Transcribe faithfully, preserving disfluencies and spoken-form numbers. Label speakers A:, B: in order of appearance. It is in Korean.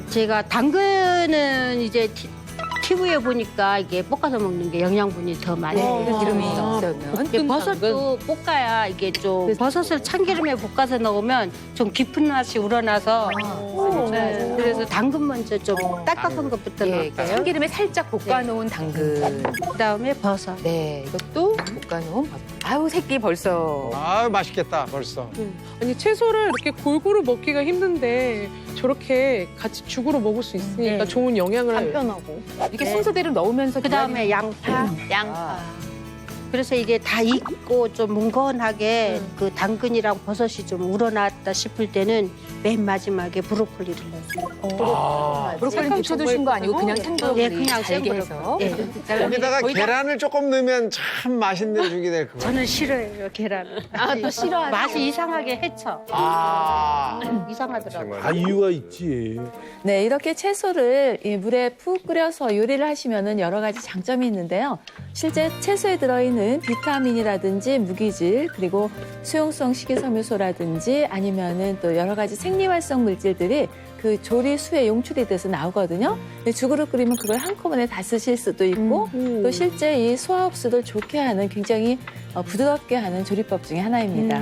A: 제가 당근은 이제 티, 티비에 보니까 이게 볶아서 먹는 게 영양분이 더 많이
B: 네,
A: 돼요.
B: 기름이 없으면.
A: 이게 버섯도 볶아야 이게 좀 버섯을 참기름에 볶아서 넣으면 좀 깊은 맛이 우러나서 네, 그래서 당근 먼저 좀 딱딱한 것부터
B: 예,
A: 넣을게요.
B: 참기름에 살짝 볶아놓은 당근.
A: 그다음에 버섯.
B: 네, 이것도 볶아놓은 밥. 아우, 새끼 벌써.
C: 아 맛있겠다 벌써.
D: 아니 채소를 이렇게 골고루 먹기가 힘든데 저렇게 같이 죽으로 먹을 수 있으니까
A: 네.
D: 좋은 영향을
E: 간편하고.
B: 이렇게
A: 네.
B: 순서대로 넣으면서
A: 그다음에 양파.
E: 양파.
A: 그래서 이게 다 익고 좀 뭉건하게 그 당근이랑 버섯이 좀 우러났다 싶을 때는 맨 마지막에 브로콜리를 넣어요.
C: 아,
B: 브로콜리 부쳐 두신 거 아니고 그냥 생브로콜리
A: 예, 그냥
B: 잘게
A: 생브로콜리.
B: 해서.
A: 예.
C: 거기다가
B: 거의 다
C: 계란을 조금 넣으면 참 맛있는 죽이 될 것 같아요.
A: 저는 싫어해요 계란을.
E: 아, 또 싫어하세요?
A: 맛이 이상하게 해쳐.
C: 아
A: 이상하더라고요.
F: 다 이유가 있지.
G: 네, 이렇게 채소를 이 물에 푹 끓여서 요리를 하시면은 여러 가지 장점이 있는데요. 실제 채소에 들어있는 비타민이라든지 무기질, 그리고 수용성 식이섬유소라든지 아니면은 또 여러 가지 생리활성 물질들이 그 조리 수에 용출이 돼서 나오거든요. 근데 죽으로 끓이면 그걸 한꺼번에 다 쓰실 수도 있고 또 실제 이 소화 흡수를 좋게 하는 굉장히 어, 부드럽게 하는 조리법 중에 하나입니다.